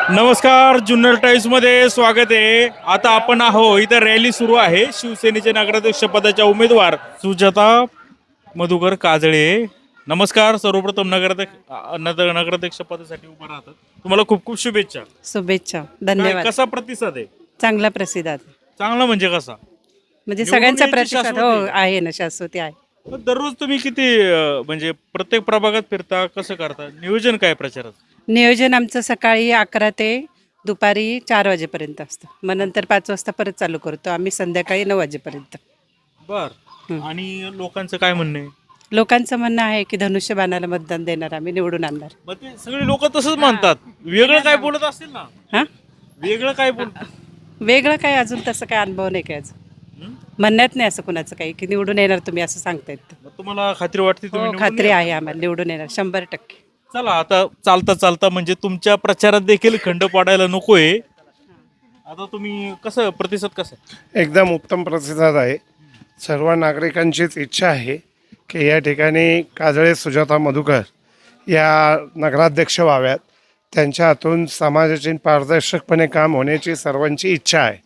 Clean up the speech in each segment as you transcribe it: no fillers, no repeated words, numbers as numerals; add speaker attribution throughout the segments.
Speaker 1: नमस्कार, जुन्नर टाइम्स मध्ये स्वागत आहे. आता आपण इथं रॅली सुरू आहे. शिवसेनेचे नगराध्यक्ष पदाच्या उमेदवार सुजाता मधुकर काजळे. नमस्कार. सर्वप्रथम नगराध्यक्ष पदासाठी उभं राहतात. तुम्हाला खूप खूप शुभेच्छा.
Speaker 2: शुभेच्छा. धन्यवाद.
Speaker 1: कसा प्रतिसाद आहे?
Speaker 2: चांगला प्रतिसाद.
Speaker 1: चांगला म्हणजे कसा?
Speaker 2: म्हणजे
Speaker 1: निवडून
Speaker 2: सगळ्यांचा
Speaker 1: यायची
Speaker 2: प्रतिसाद
Speaker 1: शाश्वती
Speaker 2: आहे ना, शाश्वती आहे.
Speaker 1: मग दररोज तुम्ही किती म्हणजे प्रत्येक प्रभागात फिरता, कसं करता? नियोजन काय प्रचारात?
Speaker 2: नियोजन आमचं सकाळी 11 ते दुपारी 4 वाजेपर्यंत असतं. मग नंतर 5 वाजता परत चालू करतो आम्ही, संध्याकाळी 9 वाजेपर्यंत.
Speaker 1: बर. आणि लोकांचं काय म्हणणं आहे?
Speaker 2: लोकांचं म्हणणं आहे की धनुष्यबाणाला मतदान देणार, आम्ही निवडून आणणार.
Speaker 1: मग ते सगळे लोक तसंच म्हणतात. वेगळं काय बोलत असतील ना?
Speaker 2: हां,
Speaker 1: वेगळं काय बोलतात?
Speaker 2: वेगळं काय अजून तसं काय अनुभव नाही काय अजून. म्हणण्यात नाही असं कुणाचं काही की निवडून येणार तुम्ही असं सांगतायत.
Speaker 1: मग तुम्हाला खात्री वाटते तुम्ही
Speaker 2: हो,
Speaker 1: निवडून
Speaker 2: खात्री
Speaker 1: याल?
Speaker 2: आहे आम्हाला निवडून येणार 100%.
Speaker 1: चला आता चालता चालता म्हणजे तुमच्या प्रचारात देखील खंड पाडायला नकोय. आता तुम्ही कसं प्रतिसाद कसा?
Speaker 3: एकदम उत्तम प्रतिसाद आहे. सर्व नागरिकांचीच इच्छा आहे की या ठिकाणी काजळे सुजाता मधुकर या नगराध्यक्ष व्हाव्यात. त्यांच्या हातून समाजाची पारदर्शकपणे काम होण्याची सर्वांची इच्छा आहे.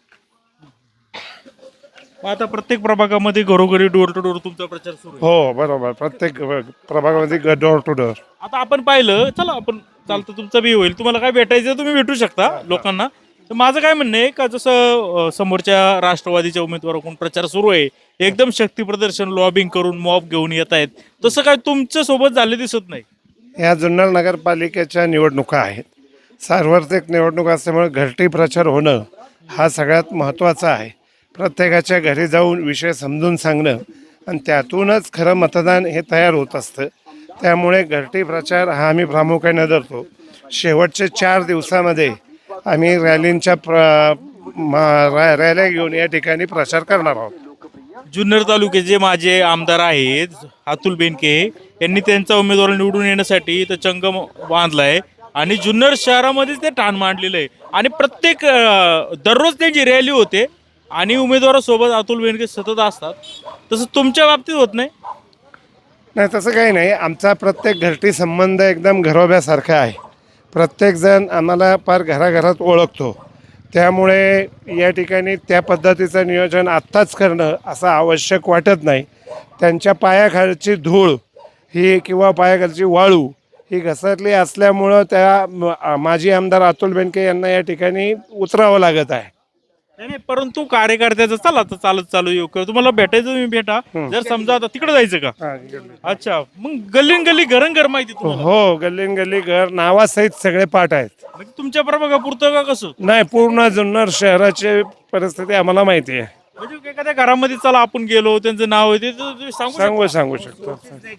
Speaker 1: मग आता प्रत्येक प्रभागामध्ये घरोघरी डोर टू डोर तुमचा प्रचार सुरू आहे.
Speaker 3: हो बरोबर, प्रत्येक प्रभागामध्ये डोर टू डोर.
Speaker 1: आता आपण पाहिलं, चला आपण चालतं तुमचं बी होईल. तुम्हाला काय भेटायचं तुम्ही भेटू शकता लोकांना. तर माझं काय म्हणणं आहे का, जसं समोरच्या राष्ट्रवादीच्या उमेदवाराकडून प्रचार सुरू आहे, एकदम शक्ती प्रदर्शन लॉबिंग करून मॉब घेऊन येत आहेत, तसं काय तुमच्या सोबत झाले दिसत नाही.
Speaker 3: या जुन्नर नगरपालिकेच्या निवडणुका आहेत. सार्वत्रिक निवडणूक असल्यामुळे घरटी प्रचार होणं हा सगळ्यात महत्त्वाचा आहे. प्रत्येकाच्या घरी जाऊन विषय समजून सांगणं आणि त्यातूनच खरं मतदान हे तयार होत असतं. त्यामुळे घरटी प्रचार हा आम्ही प्रामुख्याने धरतो. शेवटचे 4 दिवसामध्ये आम्ही रॅलींच्या रॅल्या घेऊन या ठिकाणी प्रचार करणार आहोत.
Speaker 1: जुन्नर तालुक्याचे माझे आमदार आहेत अतुल बेनके यांनी त्यांचा उमेदवार निवडून येण्यासाठी इथं चंग बांधलाय आणि जुन्नर शहरामध्येच ते ठाण मांडलेलं आहे. आणि प्रत्येक दररोज त्यांची रॅली होते आणि उमेदवारासोबत अतुल बेनके सतत असतात. तसं तुमच्या बाबतीत होत नाही?
Speaker 3: नाही, तसं काही नाही. आमचा प्रत्येक घरटी संबंध एकदम घरोब्यासारखा आहे. प्रत्येकजण आम्हाला फार घराघरात ओळखतो. त्यामुळे या ठिकाणी त्या पद्धतीचं नियोजन आत्ताच करणं असं आवश्यक वाटत नाही. त्यांच्या पायाखालची धूळ ही किंवा पायाखालची वाळू ही घसरली असल्यामुळं त्या माजी आमदार अतुल बेनके यांना या ठिकाणी उतरावं लागत आहे.
Speaker 1: नाही, परंतु कार्यकर्त्याचं चला आता चालत चालू येऊ किंवा तुम्हाला भेटायचं तुम्ही भेटा. जर समजा आता तिकडे जायचं का? अच्छा, मग गल्लीन गल्ली घर माहिती तुम्हाला?
Speaker 3: हो, गल्लीन गल्ली घर नावासहित सगळे पाठ आहेत.
Speaker 1: म्हणजे तुमच्या प्रभागापुरतं का कसं?
Speaker 3: नाही, पूर्ण जुन्नर शहराची परिस्थिती आम्हाला माहिती आहे.
Speaker 1: म्हणजे एखाद्या घरामध्ये चला आपण गेलो, त्यांचं नाव आहे ते तुम्ही
Speaker 3: सांगू शकतो.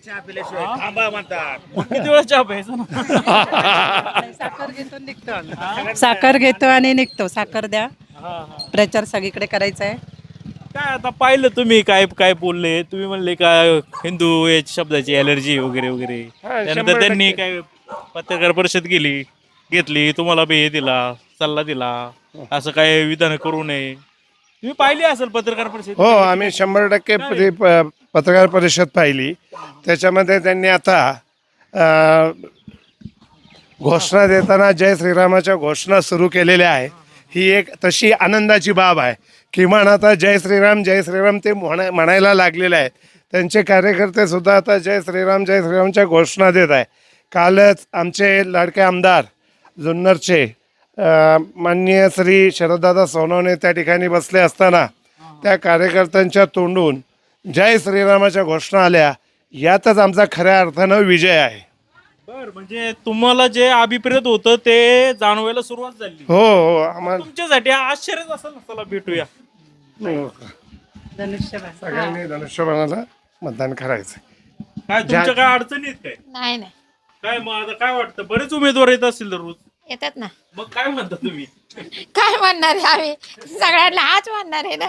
Speaker 1: मग किती वेळा चहा प्यायचा ना?
Speaker 2: साखर घेतो निघतो आम्ही. साखर घेतो आणि निघतो. साखर द्या. प्रचार सगळीकडे करायचा आहे.
Speaker 1: काय आता पाहिलं तुम्ही काय काय बोलले, तुम्ही म्हणले का हिंदू या शब्दाची अलर्जी वगैरे वगैरे. त्यानंतर
Speaker 3: 100%
Speaker 1: त्यांनी काय पत्रकार परिषद घेतली, तुम्हाला बी हे दिला, सल्ला दिला, असं काय विधान करू नये. तुम्ही पाहिली असेल पत्रकार परिषद?
Speaker 3: हो, आम्ही 100% पत्रकार परिषद पाहिली. त्याच्यामध्ये त्यांनी आता घोषणा देताना जय श्रीरामाच्या घोषणा सुरू केलेल्या आहे. ही एक तशी आनंदाची बाब आहे. किमान आता जय श्रीराम ते म्हणायला लागलेले आहेत. त्यांचे कार्यकर्ते सुद्धा आता जय श्रीरामच्या घोषणा देत आहे. कालच आमचे लाडके आमदार जुन्नरचे माननीय श्री शरददादा सोनवणे त्या ठिकाणी बसले असताना त्या कार्यकर्त्यांच्या तोंडून जय श्रीरामाच्या घोषणा आल्या. यातच आमचा खऱ्या अर्थानं विजय आहे.
Speaker 1: बर, म्हणजे तुम्हाला जे अभिप्रेत होतं ते जाणवायला सुरुवात झाली.
Speaker 3: हो, आम्हाला
Speaker 1: तुमच्यासाठी आश्चर्यच असेल ना. चला भेटूया.
Speaker 2: धनुष्यबाण.
Speaker 3: सगळ्यांनी धनुष्यबाणाला मतदान करायचं.
Speaker 1: काय तुमच्या काय अडचणी आहेत काय?
Speaker 4: नाही नाही
Speaker 1: काय मग आता काय वाटतं? बरेच उमेदवार येत असतील दररोज.
Speaker 4: येतात ना.
Speaker 1: मग काय म्हणता तुम्ही?
Speaker 4: काय म्हणणार आहे आम्ही? सगळ्यांना हाच म्हणणार आहे ना.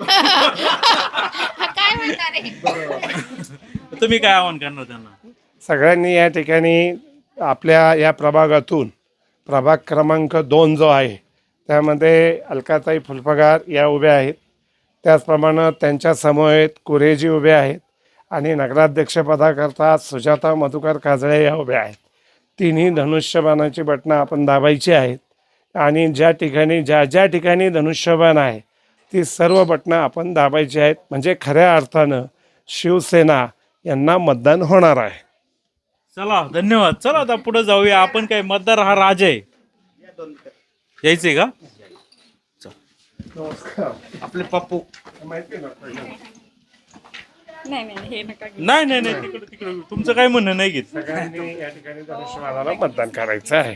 Speaker 4: काय म्हणणार आहे?
Speaker 1: तुम्ही काय आव्हान करणार त्यांना?
Speaker 3: सगळ्यांनी या ठिकाणी आपल्या या प्रभागातून प्रभाग क्रमांक 2 जो आहे त्यामध्ये अलकाताई फुलपगार या उभ्या आहेत. त्याचप्रमाणे त्यांच्या समवेत कुरेजी उभे आहेत आणि नगराध्यक्षपदाकरता सुजाता मधुकर काजळे या उभ्या आहेत. तिन्ही धनुष्यबाणाची बटणं आपण दाबायची आहेत. आणि ज्या ठिकाणी ज्या ठिकाणी धनुष्यबाण आहे ती सर्व बटणं आपण दाबायची आहेत, म्हणजे खऱ्या अर्थानं शिवसेना यांना मतदान होणार आहे.
Speaker 1: चला धन्यवाद. चला आता पुढे जाऊया. आपण काय मतदार हा राजा आहे. यायचंय का?
Speaker 5: आपले पप्पू
Speaker 4: नाही नाही हे नका
Speaker 1: नाही नाही नाही, तिकडे तिकडे तुमचं काय म्हणणं नाही घेत.
Speaker 3: सगळ्यांनी या ठिकाणी धनुष्यबाणाला मतदान करायचं आहे.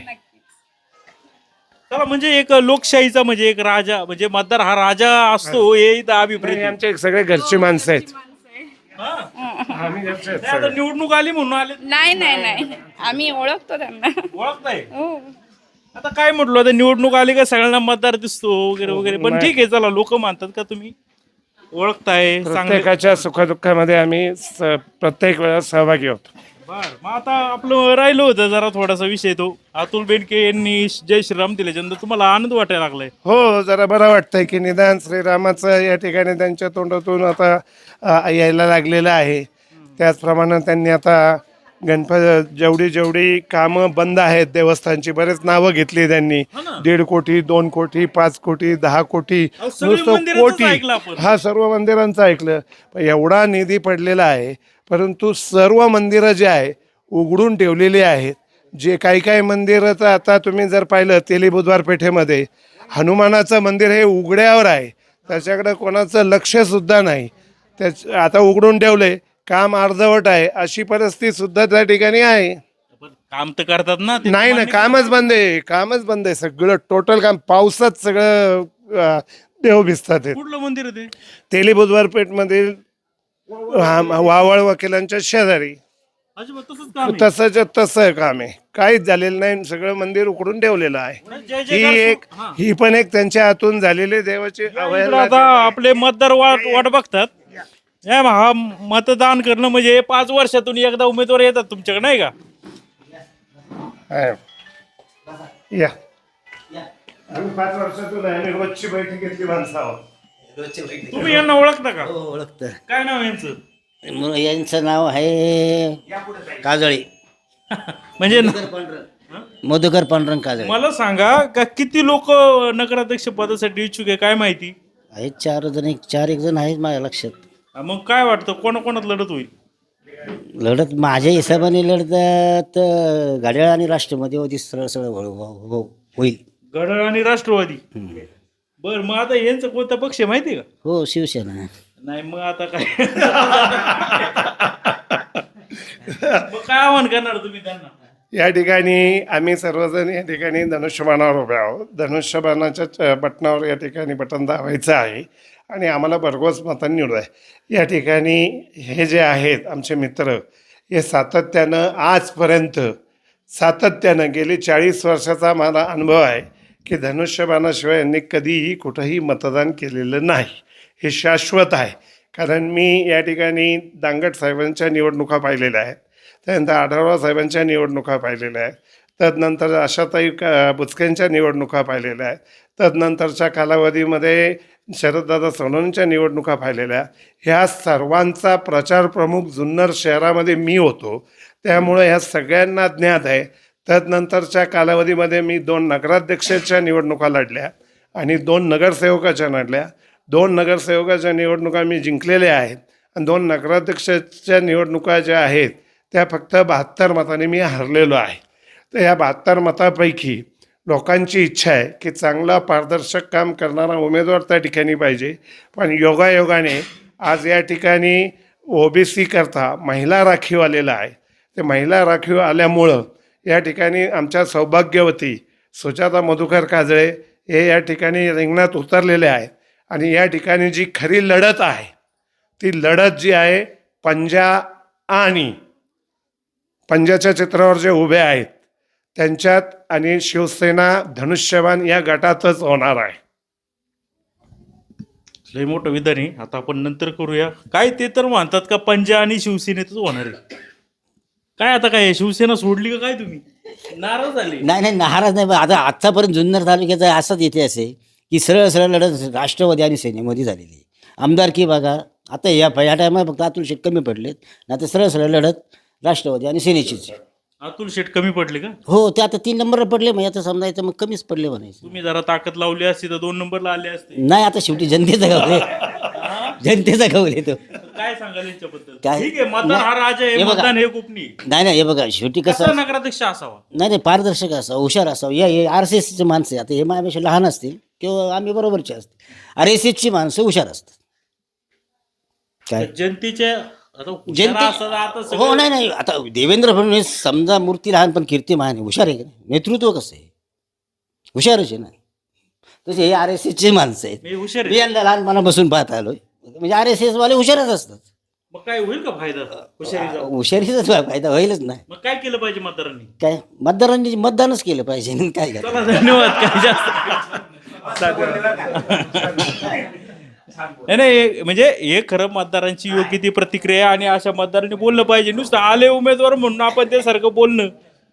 Speaker 1: चला म्हणजे एक लोकशाहीचा म्हणजे एक राजा म्हणजे मतदार हा राजा असतो हे इथं अभिप्रेत
Speaker 3: हे
Speaker 1: आहे.
Speaker 3: आमचे सगळे घरची माणसं आहेत.
Speaker 1: हा.
Speaker 3: आम्ही घरचे आहेत
Speaker 1: नाही, आता
Speaker 3: सगळे.
Speaker 1: निवडणूक आली म्हणून आले.
Speaker 4: नाही नाही नाही आम्ही ओळखतो त्यांना
Speaker 1: ओळखताय
Speaker 4: हो
Speaker 1: आता काय म्हटलं आता निवडणूक आली का सगळ्यांना मतदार दिसतो वगैरे वगैरे, पण
Speaker 3: नाही.
Speaker 1: ठीक आहे. चला लोक मानतात का तुम्ही ओळखताय चांगले.
Speaker 3: प्रत्येकाच्या सुखदुःखामध्ये आम्ही प्रत्येक वेळा सहभागी होतो.
Speaker 1: बर मग आता आपलं राहिलं होतं जरा थोडासा विषय तो अतुल बेनके यांनी जय श्रीराम दिल्याच्यानंतर तुम्हाला आनंद वाटायला लागलाय.
Speaker 3: हो, जरा बरं वाटतंय की निदान श्रीरामाचं या ठिकाणी त्यांच्या तोंडातून आता यायला लागलेलं आहे. त्याचप्रमाणे त्यांनी आता जेवढी कामं बंद आहेत देवस्थानची बरेच नावं घेतली त्यांनी.
Speaker 1: हो ना.
Speaker 3: 1.5 कोटी 2 कोटी 5 कोटी 10 कोटी
Speaker 1: अहो, सगळी मंदिराचंच ऐकलं आपण.
Speaker 3: हा सर्व मंदिरांचं ऐकलं. पण एवढा निधी पडलेला आहे, परंतु सर्व मंदिरं जे आहे उघडून ठेवलेली आहेत. जे काही मंदिरं तर आता तुम्ही जर पाहिलं तेली बुधवार पेठेमध्ये हनुमानाचं मंदिर हे उघड्यावर आहे, त्याच्याकडे कोणाचं लक्षसुद्धा नाही. आता उघडून ठेवले, काम अर्धवट आहे अशी परिस्थिती सुद्धा त्या ठिकाणी आहे.
Speaker 1: पण काम तर करतात ना ते.
Speaker 3: नाही ना, कामच बंद आहे सगळं टोटल काम. पावसात सगळं देव भिजतात.
Speaker 1: कुठलं मंदिर आहे ते?
Speaker 3: तेली बुधवार पेठमधील वावळ वकिलांच्या शेजारी
Speaker 1: अजिबात तसंच काम आहे.
Speaker 3: तसं काम आहे. काहीच झालेलं नाही, सगळं मंदिर उकडून ठेवलेलं आहे.
Speaker 1: जय जयकार हा.
Speaker 3: ही पण एक त्यांच्या हातून झालेली देवाची
Speaker 1: इकडं
Speaker 3: अवहेलना.
Speaker 1: आता आपले मतदार वाट बघतात. हा मतदान करणं म्हणजे 5 वर्षातून एकदा उमेदवार येतात तुमच्याकडे नाही का?
Speaker 3: आहे. या आम्ही 5 वर्षातून आम्ही रोजची बैठक घेतली माणसं आहोत.
Speaker 1: तुम्ही यांना ओळखता का?
Speaker 5: हो ओळखतं.
Speaker 1: काय नाव आहे यांचं?
Speaker 5: यांचं नाव आहे काजळे,
Speaker 1: म्हणजे
Speaker 5: मधुकर पांडुरंग काजळे.
Speaker 1: मला सांगा का किती लोक नगराध्यक्ष पदासाठी इच्छुक आहे काय माहिती?
Speaker 5: आहेत 4 जण आहेत माझ्या लक्षात.
Speaker 1: मग काय वाटतं कोणाकोणात लढत होईल?
Speaker 5: लढत माझ्या हिशोबाने लढतात घड्याळ आणि राष्ट्रमध्ये होती. सरळ होईल.
Speaker 1: घड्याळ आणि राष्ट्रवादी. बर मग आता यांचं कोणता पक्ष आहे माहिती आहे का?
Speaker 5: हो शिवसेना.
Speaker 1: नाही मग आता काय मग काय आव्हान करणार तुम्ही त्यांना?
Speaker 3: या ठिकाणी आम्ही सर्वजण या ठिकाणी धनुष्यबाणावर उभे आहोत. धनुष्यबाणाच्या बटनावर या ठिकाणी बटन दाबायचं आहे आणि आम्हाला भरघोस मतांनी निवड आहे. या ठिकाणी हे जे आहेत आमचे मित्र हे सातत्यानं गेली 40 वर्षाचा मला अनुभव आहे की धनुष्यबाणाशिवाय यांनी कधीही कुठंही मतदान केलेलं नाही. हे शाश्वत आहे. कारण मी या ठिकाणी दांगट साहेबांच्या निवडणुका पाहिलेल्या आहेत, त्यानंतर आढळराव साहेबांच्या निवडणुका पाहिलेल्या आहेत, तदनंतर आशाताई बुचकेंच्या निवडणुका पाहिलेल्या आहेत, तदनंतरच्या कालावधीमध्ये शरददादा सोनवणेंच्या निवडणुका पाहिलेल्या. ह्या सर्वांचा प्रचार प्रमुख जुन्नर शहरामध्ये मी होतो, त्यामुळे ह्या सगळ्यांना ज्ञात आहे. तदनंतरच्या कालावधीमध्ये मी 2 नगराध्यक्षाच्या निवडणुका लढल्या आणि 2 नगरसेवकाच्या लढल्या. 2 नगरसेवकाच्या निवडणुका मी जिंकलेल्या आहेत आणि 2 नगराध्यक्षाच्या निवडणुका ज्या आहेत त्या फक्त 72 मतांनी मी हरलेलो आहे. तर या 72 मतापैकी लोकांची इच्छा आहे की चांगला पारदर्शक काम करणारा उमेदवार त्या ठिकाणी पाहिजे. पण योगायोगाने आज या ठिकाणी OBC करता महिला राखीव आलेला आहे. ते महिला राखीव आल्यामुळं या ठिकाणी आमच्या सौभाग्यवती सुजाता मधुकर काजळे हे या ठिकाणी रिंगणात उतरलेले आहेत. आणि या ठिकाणी जी खरी लढत आहे ती लढत जी आहे पंजाच्या चित्रावर जे उभे आहेत त्यांच्यात आणि शिवसेना धनुष्यबाण या गटातच होणार आहे.
Speaker 1: लय मोठं विधान आहे. आता आपण नंतर करूया. काय ते तर म्हणतात का पंजा आणि शिवसेनेतच होणार आहे. काय आता काय शिवसेना सोडली का काय तुम्ही नाराज झाले?
Speaker 5: नाही नाराज नाही. पण आता आत्तापर्यंत जुन्नर तालुक्याचा असाच इतिहास आहे की सरळ लढत राष्ट्रवादी आणि सेनेमध्ये झालेली. आमदारकी बघा आता या टायमाला फक्त अतुल शेट कमी पडलेत, नाही तर सरळ लढत राष्ट्रवादी आणि सेनेचीच.
Speaker 1: अतुल शेट कमी पडले का?
Speaker 5: हो, ते आता 3 नंबरला पडले, म्हणजे आता समजायचं मग कमीच पडले म्हणायचं.
Speaker 1: तुम्ही जरा ताकद लावली असती तर 2 नंबरला आले असते.
Speaker 5: नाही, आता शेवटी जनतेचा गावले, जनतेचा गावले तो.
Speaker 1: काय सांगाल यांच्याबद्दल?
Speaker 5: काय?
Speaker 1: ठीक आहे, मतदान हा राजा आहे,
Speaker 5: हे बघा.
Speaker 1: मतदान हे गोपनीय.
Speaker 5: नाही, हे बघा शेवटी
Speaker 1: कसा
Speaker 5: कसं,
Speaker 1: नगराध्यक्ष असावा?
Speaker 5: नाही, पारदर्शक असावं, हुशार असावं. हे RSSचे माणसं आहे, आता हे माझ्यापेक्षा लहान असतील किंवा आम्ही बरोबरचे असतील, RSSची माणसं हुशार असतात. काय
Speaker 1: जनतेच्या आता हुशार
Speaker 5: जनते
Speaker 1: असतात आता
Speaker 5: हो,
Speaker 1: सगळं-
Speaker 5: नाही, आता देवेंद्र फडणवीस समजा मूर्ती लहान पण कीर्ती महान आहे, हुशार आहे का नाही? नेतृत्व कसं आहे, हुशारच आहे ना. तसे हे RSSचे माणसं आहेत.
Speaker 1: मी हुशार
Speaker 5: मी
Speaker 1: आहे.
Speaker 5: यांना लहानपणापासून पाहत आलोय, म्हणजे RSS वाले हुशारच असतात.
Speaker 1: मग काय होईल का फायदा हुशारीचा?
Speaker 5: हुशारीचाच फायदा होईलच नाही.
Speaker 1: मग काय केलं पाहिजे मतदारांनी?
Speaker 5: काय मतदारांनी मतदानच केलं पाहिजे आणि काय करायचं.
Speaker 1: चला, धन्यवाद. काय जास्त नाही, म्हणजे हे खरं मतदारांची योग्य ती प्रतिक्रिया, आणि अशा मतदारांनी बोललं पाहिजे. नुसतं आले उमेदवार म्हणून आपण ते सारखं बोलणं.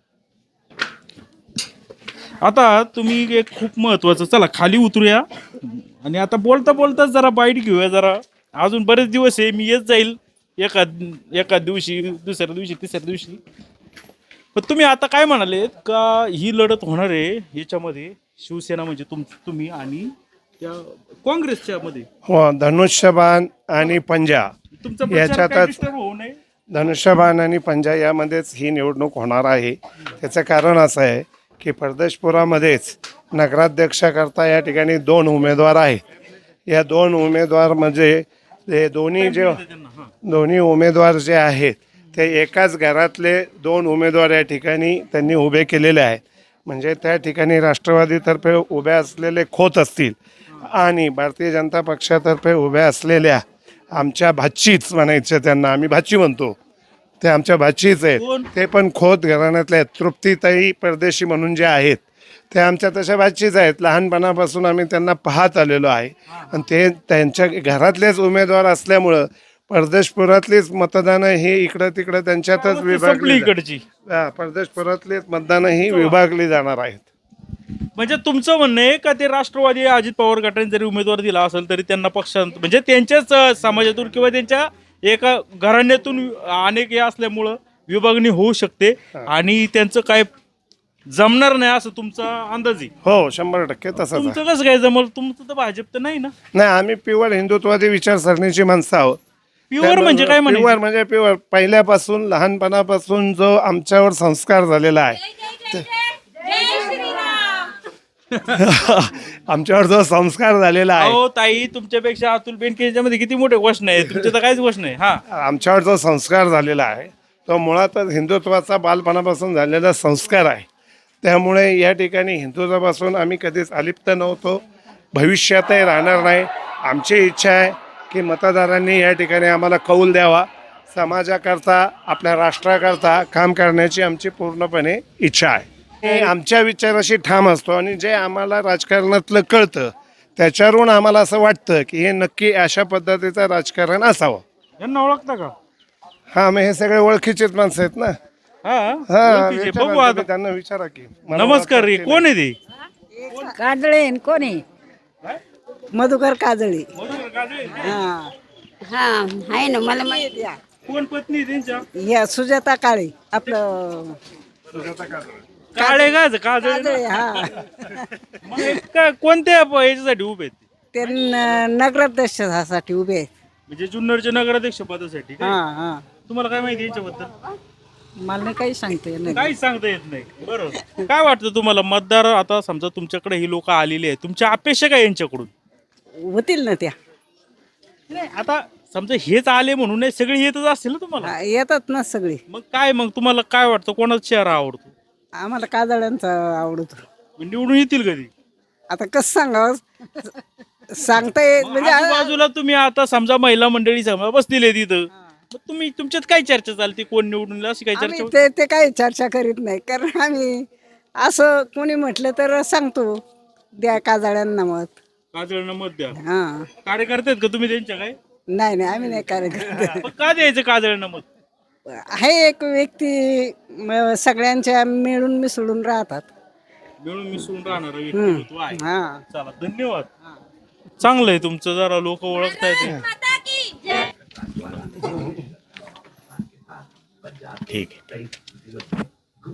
Speaker 1: आता तुम्ही एक खूप महत्वाचं, चला खाली उतरूया आणि आता बोलता बोलताच जरा बाईट घेऊया. जरा अजून बरेच दिवस आहे, मी येत जाईल एका दिवशी, दुसऱ्या दिवशी, तिसऱ्या दिवशी. पण तुम्ही आता काय म्हणाले का ही लढत होणार आहे याच्यामध्ये शिवसेना म्हणजे तुम्ही आणि त्या काँग्रेसच्या मध्ये
Speaker 3: हो, धनुष्यबाण आणि पंजा
Speaker 1: तुमचा प्रचार काय
Speaker 3: याच्यातच
Speaker 1: disturb होऊ नये.
Speaker 3: धनुष्यबाण आणि पंजा यामध्येच ही निवडणूक होणार आहे. त्याचं कारण असं आहे की परदेशपुरामध्येच नगराध्यक्षाकरता या ठिकाणी 2 उमेदवार आहेत. या 2 उमेदवार म्हणजे ते दोन्ही उमेदवार जे आहेत ते एकाच घरातले 2 उमेदवार या ठिकाणी त्यांनी उभे केलेले आहेत. म्हणजे त्या ठिकाणी राष्ट्रवादीतर्फे उभे असलेले खोत असतील आणि भारतीय जनता पक्षातर्फे उभ्या असलेल्या आमच्या भाचीच म्हणायचे, त्यांना आम्ही भाची म्हणतो, ते आमच्या भाचीच आहेत. ते पण खोत घराण्यातले आहेत. तृप्तीताई परदेशी म्हणून जे आहेत ते आमच्या तशा भाचीच आहेत. लहानपणापासून आम्ही त्यांना पाहत आलेलो आहे आणि ते त्यांच्या घरातलेच उमेदवार असल्यामुळं परदेशपुरातलीच मतदानं ही इकडं तिकडं त्यांच्यातच
Speaker 1: संपली
Speaker 3: विभागली
Speaker 1: इकडची.
Speaker 3: परदेशपुरातलीच मतदानं ही विभागली जाणार आहेत.
Speaker 1: म्हणजे तुमचं म्हणणं आहे का ते राष्ट्रवादी अजित पवार गटाने जरी उमेदवार दिला असेल तरी त्यांना पक्षांत म्हणजे त्यांच्याच समाजातून किंवा त्यांच्या एका घराण्यातून अनेक हे असल्यामुळं विभागणी होऊ शकते आणि त्यांचं काय जमणार नाही असं तुमचा अंदाज आहे?
Speaker 3: हो, 100% तसंच आहे.
Speaker 1: तुमचं कसं काय जमल? तुमचं तर भाजप तर नाही ना.
Speaker 3: नाही, आम्ही प्युअर हिंदुत्वादी विचारसरणीची माणसं आहोत.
Speaker 1: प्युअर म्हणजे काय
Speaker 3: प्युअर
Speaker 1: म्हणायचं?
Speaker 3: म्हणजे प्युअर पहिल्यापासून लहानपणापासून जो आमच्यावर संस्कार झालेला आहे आमच्यावर जो संस्कार झालेला आहे,
Speaker 1: हो ताई, तुमच्यापेक्षा अतुल बेनके यांच्यामध्ये किती मोठे गोष्ट आहे, तुमच्या तर काहीच गोष्ट नाही. हा,
Speaker 3: आमच्यावर जो संस्कार झालेला आहे तो मुळातच हिंदुत्वाचा बालपणापासून झालेला संस्कार आहे. त्यामुळे या ठिकाणी हिंदुत्वापासून आम्ही कधीच अलिप्त नव्हतो, भविष्यातही राहणार नाही. आमची इच्छा आहे की मतदारांनी या ठिकाणी आम्हाला कौल द्यावा. समाजाकरता, आपल्या राष्ट्राकरता काम करण्याची आमची पूर्णपणे इच्छा आहे. आमच्या विचाराशी ठाम असतो आणि जे आम्हाला राजकारणातलं कळतं त्याच्यावरून आम्हाला असं वाटतं की हे नक्की अशा पद्धतीचं राजकारण असावं.
Speaker 1: यांना ओळखता का?
Speaker 3: हा, मग हे सगळे ओळखीचेच माणसं आहेत ना.
Speaker 1: हा,
Speaker 3: हा,
Speaker 1: ओळखीचे.
Speaker 3: विचारा
Speaker 1: बघू आता.
Speaker 3: तुम्ही त्यांना विचारा की मला
Speaker 1: नमस्कार रे,
Speaker 3: ओळखतात की
Speaker 1: कोण आहे ते?
Speaker 6: काजळे कोणी मधुकर काजळे हा
Speaker 4: हा आहे ना, मला माहिती आहे.
Speaker 1: कोण पत्नी आहे त्यांच्या?
Speaker 6: या सुजाता काळे आपलं
Speaker 1: काळे का काजळे
Speaker 6: काजळे
Speaker 1: ना?
Speaker 6: हा
Speaker 1: मग हे कोणत्या याच्यासाठी उभे आहेत ते?
Speaker 6: ते नगराध्यक्षासाठी उभे आहेत.
Speaker 1: म्हणजे जुन्नरच्या नगराध्यक्ष पदासाठी काय?
Speaker 6: हा हा
Speaker 1: तुम्हाला काय माहिती यांच्याबद्दल?
Speaker 6: मला नाही काही सांगते नाही.
Speaker 1: काहीच सांगता येत नाही. बरोबर. काय वाटतं तुम्हाला मतदार आता समजा तुमच्याकडे ही लोक आलेली आहेत, तुमच्या अपेक्षा काय यांच्याकडून?
Speaker 6: होतील ना त्या
Speaker 1: नाही, आता समजा हेच आले म्हणून नाही, सगळे येतच असतील ना तुम्हाला.
Speaker 6: हा, येतात ना सगळी.
Speaker 1: मग तुम्हाला काय वाटतं, कोणाचा चेहरा आवडतो?
Speaker 6: आम्हाला काजळ्यांचा आवडतो.
Speaker 1: निवडून येतील कधी?
Speaker 6: आता कसं सांगावं सांगता येत म्हणजे
Speaker 1: आजूबाजूला तुम्ही आता समजा महिला मंडळी समजा बसलेले तिथं, मग तुम्ही तुमच्यात काय चर्चा चालते, कोण निवडून येईल अशी काय चर्चा
Speaker 6: आम्ही
Speaker 1: होते?
Speaker 6: ते काही चर्चा करीत नाही, कारण आम्ही असं कोणी म्हटलं तर सांगतो द्या काजळ्यांना मत.
Speaker 1: काजळना मत द्या.
Speaker 6: हा
Speaker 1: कार्यकर्ते आहेत का तुम्ही त्यांच्या काय?
Speaker 6: नाही नाही आम्ही नाही कार्यकर्ते.
Speaker 1: मग का द्यायचं काजळना मत?
Speaker 6: आहे एक व्यक्ती सगळ्यांच्या मिळून मिसळून राहतात.
Speaker 1: मिळून मिसळून राहणार व्यक्तिमत्व आहे.
Speaker 6: हा
Speaker 1: चला, धन्यवाद. चांगलं आहे तुमचं, जरा लोक ओळखतायत. ठीक आहे.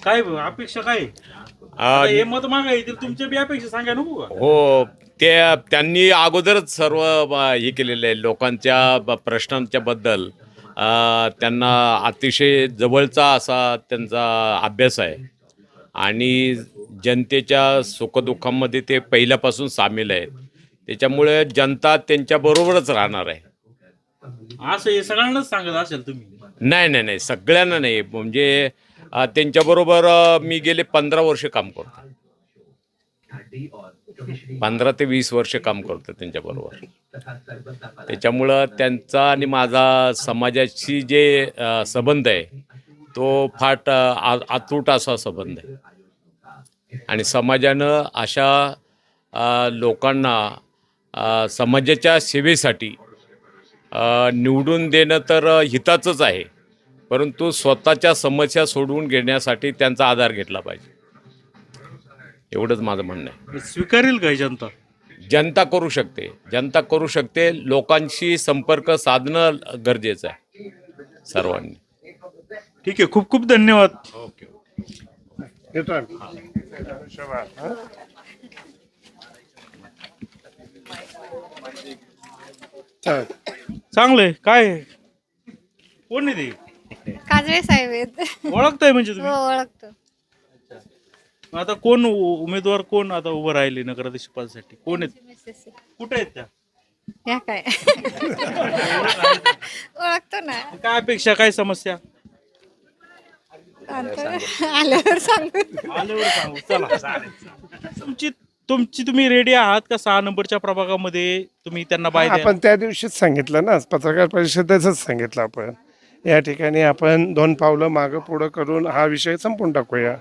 Speaker 1: काय अपेक्षा काय आता हे मत मागायचे तुमच्या बी अपेक्षा सांगा नको का?
Speaker 7: हो, त्यांनी अगोदरच सर्व हे केलेलं आहे लोकांच्या प्रश्नांच्या बद्दल. त्यांना अतिशय जवळचा असा त्यांचा अभ्यास आहे आणि जनतेच्या सुखदुःखामध्ये ते पहिल्यापासून सामील आहेत. त्याच्यामुळे जनता त्यांच्याबरोबरच राहणार आहे.
Speaker 1: असं हे सगळ्यांनाच सांगत असेल तुम्ही.
Speaker 7: नाही नाही नाही, सगळ्यांना नाही. म्हणजे त्यांच्याबरोबर मी गेले 15 वर्ष काम करतो. 15 ते 20 वर्ष काम करतो त्यांच्याबरोबर. त्याच्यामुळं त्यांचा आणि माझा समाजाशी जे संबंध आहे तो फार अतूट असा संबंध आहे. आणि समाजानं अशा लोकांना समाजाच्या सेवेसाठी निवडून देणं तर हिताचंच आहे, परंतु स्वतःच्या समस्या सोडवून घेण्यासाठी त्यांचा आधार घेतला पाहिजे. एवढंच माझं म्हणणं आहे.
Speaker 1: स्वीकारेल काय जनता?
Speaker 7: जनता करू शकते, जनता करू शकते. लोकांशी संपर्क साधणं गरजेचं आहे सर्वांनी.
Speaker 1: ठीक आहे, खूप खूप धन्यवाद.
Speaker 7: ओके.
Speaker 3: येतो आम्ही. चालेल.
Speaker 1: चांगलंय. काय कोण आहे ते?
Speaker 4: काजळे साहेब आहेत.
Speaker 1: ओळखताय म्हणजे
Speaker 4: हो
Speaker 1: तुम्ही?
Speaker 4: ओळखतो.
Speaker 1: आता कोण उमेदवार कोण आता उभं राहिले नगराध्यक्ष पदासाठी? कोण आहेत? कुठे आहेत त्या?
Speaker 4: या काय ओळखतो ना.
Speaker 1: काय अपेक्षा, काय समस्या?
Speaker 4: आल्यावर सांगू.
Speaker 1: आल्यावर सांगू. चला. तुम्ही रेडी आहात का 6 नंबरच्या प्रभागामध्ये तुम्ही त्यांना बाय द्या?
Speaker 3: आपण त्या दिवशीच सांगितलं ना, पत्रकार परिषदेतच सांगितलं आपण. या ठिकाणी आपण 2 पावलं मागं पुढं करून हा विषय संपून टाकूया.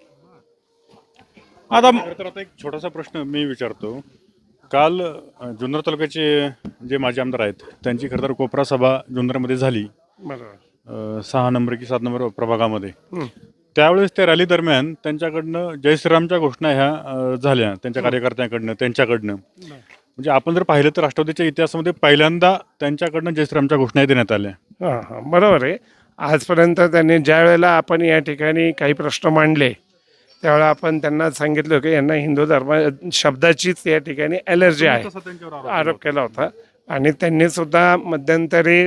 Speaker 1: आता
Speaker 8: तर आता एक छोटासा प्रश्न मी विचारतो. काल जुन्नर तालुक्याचे जे माजी आमदार आहेत त्यांची खरं तर कोपरा सभा जुन्नरमध्ये झाली,
Speaker 3: बरोबर.
Speaker 8: 6 नंबर की 7 नंबर प्रभागामध्ये. त्यावेळेस त्या रॅली दरम्यान त्यांच्याकडनं जय श्रीरामच्या घोषणा ह्या झाल्या त्यांच्या कार्यकर्त्यांकडनं, त्यांच्याकडनं. म्हणजे आपण जर पाहिलं तर राष्ट्रवादीच्या इतिहासामध्ये पहिल्यांदा त्यांच्याकडनं जय श्रीरामच्या घोषणा देण्यात आल्या.
Speaker 3: हां हां, बरोबर आहे. आजपर्यंत त्यांनी ज्या वेळेला आपण या ठिकाणी काही प्रश्न मांडले त्यावेळेला आपण त्यांना सांगितलं की यांना हिंदू धर्म शब्दाचीच या ठिकाणी ॲलर्जी आहे,
Speaker 8: तसा त्यांच्यावर
Speaker 3: आरोप केला होता. आणि त्यांनी सुद्धा मध्यंतरी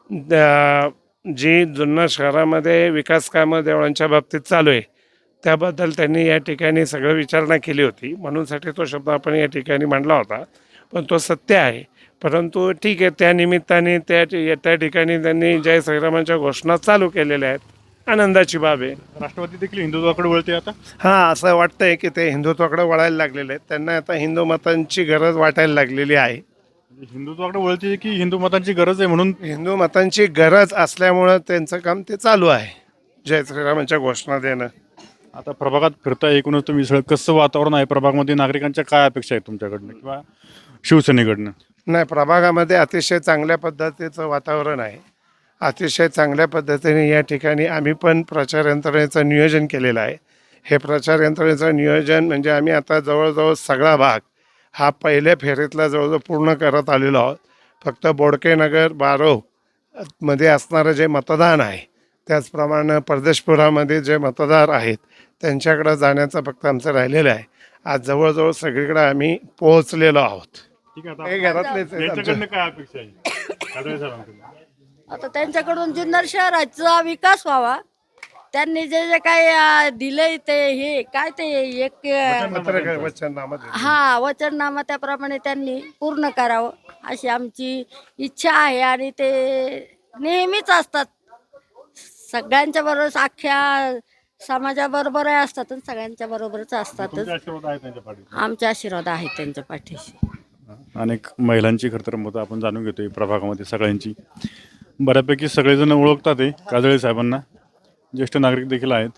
Speaker 3: जी जुन्नर शहरामध्ये विकास कामं देवळांच्या बाबतीत चालू आहे त्याबद्दल त्यांनी या ठिकाणी सगळं विचारणा केली होती, म्हणूनसाठी तो शब्द आपण या ठिकाणी मांडला होता. पण तो सत्य आहे. परंतु ठीक आहे, त्या निमित्ताने त्या ठिकाणी त्यांनी जय श्रीरामांच्या घोषणा चालू केलेल्या आहेत. आनंदाची बाब आहे.
Speaker 8: राष्ट्रवादी देखील हिंदुत्वाकडे वळते आता.
Speaker 3: हां, असं वाटतंय की ते हिंदुत्वाकडे वळायला लागलेले आहेत. त्यांना आता हिंदू मतांची गरज वाटायला लागलेली आहे.
Speaker 8: हिंदुत्वाकडे वळते की हिंदू मतांची गरज आहे म्हणून.
Speaker 3: हिंदू मतांची गरज असल्यामुळं त्यांचं काम ते चालू आहे, जय श्रीरामांच्या घोषणा देणं.
Speaker 8: आता प्रभागात फिरता एकूणच तुम्ही सगळं कसं वातावरण आहे प्रभागामध्ये, नागरिकांच्या काय अपेक्षा आहेत तुमच्याकडनं किंवा शिवसेनेकडनं?
Speaker 3: नाही, प्रभागामध्ये अतिशय चांगल्या पद्धतीचं वातावरण आहे. अतिशय चांगल्या पद्धतीने या ठिकाणी आम्ही पण प्रचार यंत्रणेचं नियोजन केलेलं आहे. हे प्रचार यंत्रणेचं नियोजन म्हणजे आम्ही आता जवळजवळ सगळा भाग हा पहिल्या फेरीतला जवळजवळ पूर्ण करत आलेलो आहोत. फक्त बोडकेनगर बारोव मध्ये असणारं जे मतदान आहे, त्याचप्रमाणे परदेशपुरामध्ये जे मतदार आहेत त्यांच्याकडं जाण्याचं फक्त आमचं राहिलेलं आहे. आज जवळजवळ सगळीकडे आम्ही पोहोचलेलो आहोत.
Speaker 8: ठीक आहे,
Speaker 3: हे घरातलेच आहेत आमच्या.
Speaker 8: त्यांच्याकडनं काय अपेक्षा आहे काजळे साहेबांकडून?
Speaker 9: आता त्यांच्याकडून जुन्नर शहराचा विकास व्हावा. त्यांनी जे जे काय दिलंय ते हे काय ते एक
Speaker 3: पत्रकार वचननामा दिलं.
Speaker 9: हा वचननामा त्याप्रमाणे त्यांनी पूर्ण करावं अशी आमची इच्छा आहे. आणि ते नेहमीच असतात सगळ्यांच्या बरोबर, अख्ख्या समाजाबरोबर असतात, सगळ्यांच्या बरोबरच असतात.
Speaker 8: तुमचे आशीर्वाद आहे त्यांच्या पाठीशी.
Speaker 9: आमचे आशीर्वाद आहेत त्यांच्या पाठीशी.
Speaker 8: अनेक महिलांची खरं तर मतं आपण जाणून घेतोय प्रभागामध्ये. सगळ्यांची बऱ्यापैकी सगळेजण ओळखतात आहे काजळे साहेबांना. ज्येष्ठ नागरिक देखील आहेत.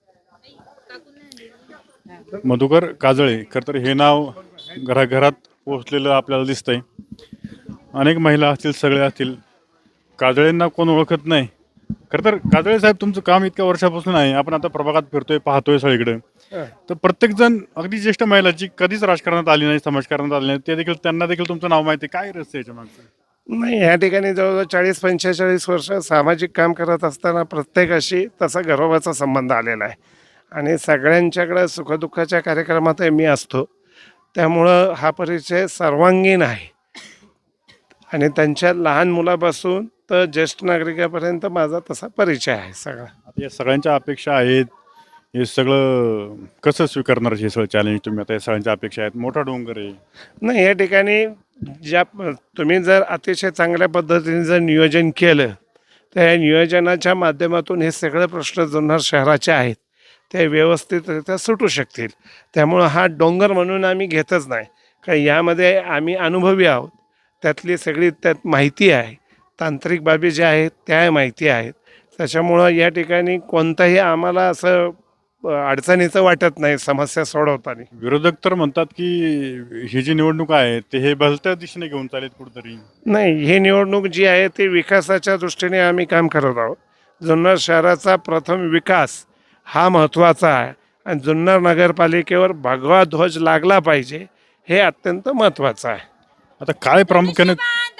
Speaker 8: मधुकर काजळे खरं तर हे नाव घराघरात पोहोचलेलं आपल्याला दिसतंय. अनेक महिला असतील, सगळे असतील, काजळेंना कोण ओळखत नाही. खरं तर काजळे साहेब तुमचं काम इतक्या वर्षापासून आहे, आपण आता प्रभागात फिरतोय, पाहतोय सगळीकडे. तर प्रत्येकजण अगदी ज्येष्ठ महिला जी कधीच राजकारणात आली नाही, समाजकारणात आली नाही, ते देखील त्यांना देखील तुमचं नाव माहिती आहे. काय रहस्य याच्या मागचं?
Speaker 3: नाही, या ठिकाणी जवळजवळ 40-45 वर्ष सामाजिक काम करत असताना प्रत्येकाशी तसा गर्वाचा संबंध आलेला आहे. आणि सगळ्यांच्याकडं सुखदुःखाच्या कार्यक्रमात मी असतो. त्यामुळं हा परिचय सर्वांगीण आहे आणि त्यांच्या लहान मुलापासून तर ज्येष्ठ नागरिकापर्यंत माझा तसा परिचय आहे सगळा.
Speaker 8: आता या सगळ्यांच्या अपेक्षा आहेत, हे सगळं कसं स्वीकारणार हे सगळं चॅलेंज तुम्ही? आता या सगळ्यांच्या अपेक्षा आहेत, मोठा डोंगर आहे.
Speaker 3: नाही, या ठिकाणी ज्या तुम्ही जर अतिशय चांगल्या पद्धतीने जर नियोजन केलं तर या नियोजनाच्या माध्यमातून हे सगळे प्रश्न जुन्नर शहराचे आहेत ते व्यवस्थितरित्या सुटू शकतील. त्यामुळं हा डोंगर म्हणून आम्ही घेतच नाही, कारण यामध्ये आम्ही अनुभवी आहोत. त्यातली सगळी त्यात माहिती आहे, तांत्रिक बाबी ज्या आहेत त्या माहिती आहेत. त्याच्यामुळं या ठिकाणी कोणताही आम्हाला असं अडचणीचं वाटत नाही समस्या सोडवताना.
Speaker 8: विरोधक तर म्हणतात की ही जी निवडणूक आहे ते हे भलत्या दिशेने घेऊन चालेल कुठंतरी.
Speaker 3: नाही, ही निवडणूक जी आहे ती विकासाच्या दृष्टीने आम्ही काम करत आहोत. जुन्नर शहराचा प्रथम विकास हा महत्त्वाचा आहे आणि जुन्नर नगरपालिकेवर भगवा ध्वज लागला पाहिजे हे अत्यंत महत्त्वाचं आहे.
Speaker 8: आता काय प्रामुख्याने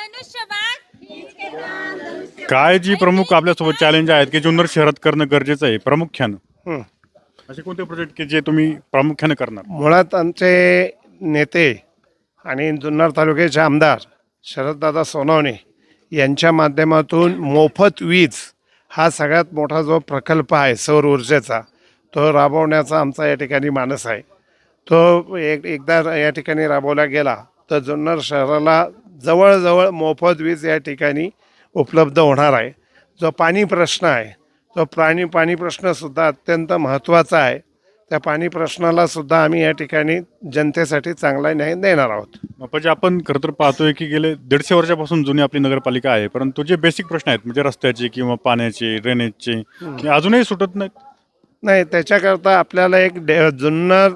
Speaker 8: काय जी प्रमुख आपल्यासोबत चॅलेंज आहेत की जुन्नर शहरात करणं गरजेचं आहे प्रामुख्यानं?
Speaker 3: हं.
Speaker 8: असे कोणते प्रोजेक्ट की जे तुम्ही प्रामुख्याने करणार?
Speaker 3: मुळात आमचे नेते आणि जुन्नर तालुक्याचे आमदार शरददादा सोनवणे यांच्या माध्यमातून मोफत वीज हा सगळ्यात मोठा जो प्रकल्प आहे सौर ऊर्जेचा तो राबवण्याचा आमचा या ठिकाणी मानस आहे. तो एकदा या ठिकाणी राबवला गेला तर जुन्नर शहराला जवळजवळ मोफत वीज या ठिकाणी उपलब्ध होणार आहे. जो पाणी प्रश्न आहे तो पाणी प्रश्नसुद्धा अत्यंत महत्त्वाचा आहे. त्या पाणी प्रश्नाला सुद्धा आम्ही या ठिकाणी जनतेसाठी चांगला न्याय देणार आहोत.
Speaker 8: म्हणजे आपण खरं तर पाहतोय की गेले 150 वर्षापासून जुनी आपली नगरपालिका आहे, परंतु जे बेसिक प्रश्न आहेत म्हणजे रस्त्याचे किंवा पाण्याचे, ड्रेनेजचे ते अजूनही सुटत नाहीत.
Speaker 3: नाही, त्याच्याकरता आपल्याला एक जुन्नर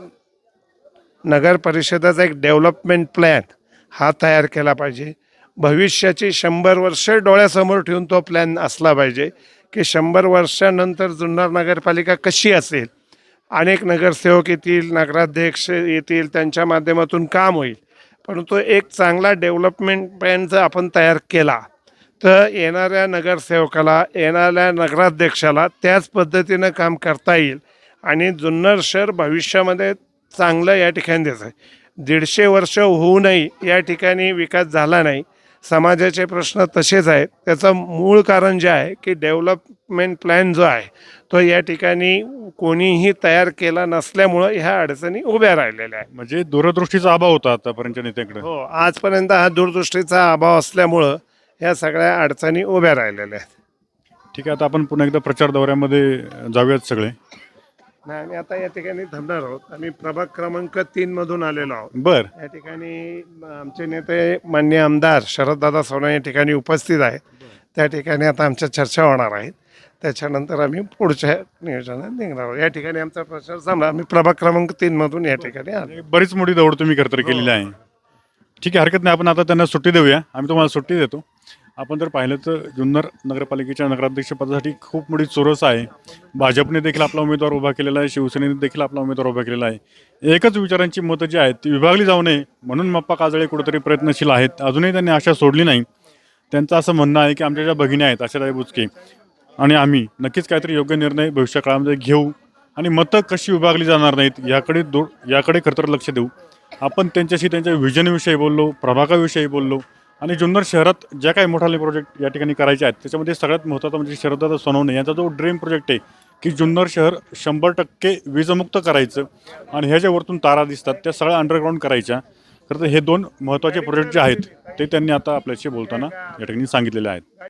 Speaker 3: नगर परिषदेचा एक डेव्हलपमेंट प्लॅन हा तयार केला पाहिजे. भविष्याची 100 वर्ष डोळ्यासमोर ठेवून तो प्लॅन असला पाहिजे की 100 वर्षानंतर जुन्नर नगरपालिका कशी असेल. अनेक नगरसेवक येतील, नगराध्यक्ष येतील, त्यांच्या माध्यमातून काम होईल. परंतु एक चांगला डेव्हलपमेंट प्लॅन जर आपण तयार केला तर येणाऱ्या नगरसेवकाला, येणाऱ्या नगराध्यक्षाला त्याच पद्धतीनं काम करता येईल आणि जुन्नर शहर भविष्यामध्ये चांगलं या ठिकाणी द्यायचं आहे. 150 वर्ष होऊनही या ठिकाणी विकास झाला नाही. समाजाचे प्रश्न तसेच आहेत. त्याचं मूळ कारण जे आहे की डेव्हलपमेंट प्लॅन जो आहे तो या ठिकाणी कोणीही तयार केला नसल्यामुळं ह्या अडचणी उभ्या राहिलेल्या आहेत.
Speaker 8: म्हणजे दूरदृष्टीचा अभाव होता आतापर्यंतच्या नेत्याकडे.
Speaker 3: हो, आजपर्यंत हा दूरदृष्टीचा अभाव असल्यामुळं ह्या सगळ्या अडचणी उभ्या राहिलेल्या आहेत.
Speaker 8: ठीक आहे, आता आपण पुन्हा एकदा प्रचार दौऱ्यामध्ये जाऊयात सगळे.
Speaker 3: नाही, आम्ही आता या ठिकाणी थांबणार आहोत. आम्ही प्रभाग क्रमांक 3 मधून आलेलो आहोत.
Speaker 8: बर,
Speaker 3: या ठिकाणी आमचे नेते माननीय आमदार शरददादा सोनवणे या ठिकाणी उपस्थित आहेत. त्या ठिकाणी आता आमच्या चर्चा होणार आहेत. त्याच्यानंतर आम्ही पुढच्या नियोजनात निघणार आहोत. या ठिकाणी आमचा प्रचार झाला. आम्ही प्रभाग क्रमांक 3 मधून या ठिकाणी आलो.
Speaker 8: बरीच मोठी दौड तुम्ही खरं तर केलेली आहे. ठीक आहे, हरकत नाही, आपण आता त्यांना सुट्टी देऊया. आम्ही तुम्हाला सुट्टी देतो. आपण जर पाहिलं तर जुन्नर नगरपालिकेच्या नगराध्यक्षपदासाठी खूप मोठी चोरस आहे. भाजपने देखील आपला उमेदवार उभा केलेला आहे, शिवसेनेने देखील आपला उमेदवार उभा केलेला आहे. एकच विचारांची मतं जी आहेत ती विभागली जाऊ नये म्हणून मप्पा काजळे कुठेतरी प्रयत्नशील आहेत. अजूनही त्यांनी आशा सोडली नाही. त्यांचं असं म्हणणं आहे की आमच्या ज्या भगिनी आहेत आशाताई बुचके आणि आम्ही नक्कीच काहीतरी योग्य निर्णय भविष्य काळामध्ये घेऊ आणि मतं कशी विभागली जाणार नाहीत याकडे खरं तर लक्ष देऊ. आपण त्यांच्याशी त्यांच्या व्हिजनविषयी बोललो, प्रभागाविषयी बोललो आणि जुन्नर शहरात ज्या काही मोठाले प्रोजेक्ट या ठिकाणी करायचे आहेत त्याच्यामध्ये सगळ्यात महत्त्वाचा म्हणजे शरददादा सोनवणे यांचा जो ड्रीम प्रोजेक्ट आहे की जुन्नर शहर 100% वीजमुक्त करायचं आणि ह्या ज्या वरतून तारा दिसतात त्या सगळ्या अंडरग्राऊंड करायच्या. खरं तर हे 2 महत्त्वाचे प्रोजेक्ट जे आहेत ते त्यांनी आता आपल्याशी बोलताना या ठिकाणी सांगितलेले आहेत.